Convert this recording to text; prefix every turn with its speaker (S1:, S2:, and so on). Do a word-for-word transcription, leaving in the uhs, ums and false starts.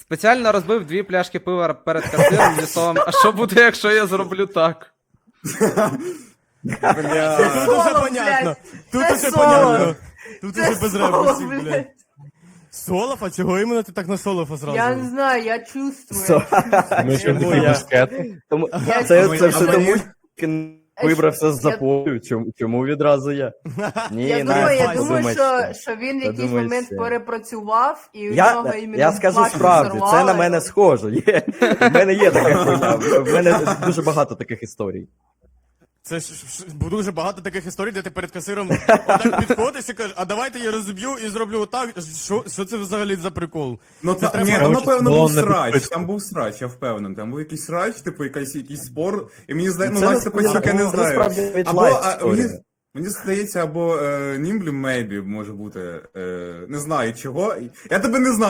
S1: Спеціально розбив дві пляшки пива перед касиром зі словом, а що буде, якщо я зроблю так?
S2: Бля.
S3: Тут
S4: соло,
S3: уже понятно.
S4: блядь.
S3: Тут
S4: Це
S3: уже
S4: соло.
S3: понятно. Тут
S4: Це
S3: уже без
S4: соло,
S3: ребусів,
S4: блядь.
S3: блядь. Солов? А чого іменно ти так на Солофа зразу?
S4: Я не знаю, я чувствую.
S5: Со-
S6: Ми ж
S5: Чому
S6: такі
S5: я?
S6: мускети.
S5: Тому
S4: Я-
S5: це,
S2: А
S5: це все
S2: мені-
S5: тому, що вибрався з
S4: Я-
S5: запою. Чому, чому відразу я? Ні,
S4: Я
S5: на,
S4: думаю, я
S3: Настя,
S4: думаю,
S5: подумайте.
S4: що, що він в якийсь
S5: Подумайте.
S4: момент перепрацював, і у
S5: Я,
S4: нього іменно
S5: я скажу
S4: плачу
S5: справді, це
S4: зарвало.
S5: на мене схоже. Є. В мене є така хуйня. В мене дуже багато таких історій.
S3: Це ж ж- дуже багато таких історій, де ти перед касиром отак підходиш і кажеш, а давайте я розіб'ю і зроблю отак. Що, що це взагалі за прикол?
S2: Ну
S3: Це
S2: та,
S3: треба
S2: ні, там
S6: коротше,
S2: напевно
S6: було
S2: був
S6: не
S2: срач,
S6: підписку.
S2: там був срач, я впевнений. Там був якийсь срач, типу якийсь, якийсь спор, і мені здається, ну
S5: Це
S2: Настя
S5: насправді-
S2: Пацюк, я не
S5: це
S2: знаю.
S5: насправді від
S2: Або,
S5: лайф
S2: а,
S5: історія.
S2: мені, мені здається, або е, Німблі, мейбі, може бути, е, не знаю чого. Я тебе не знаю.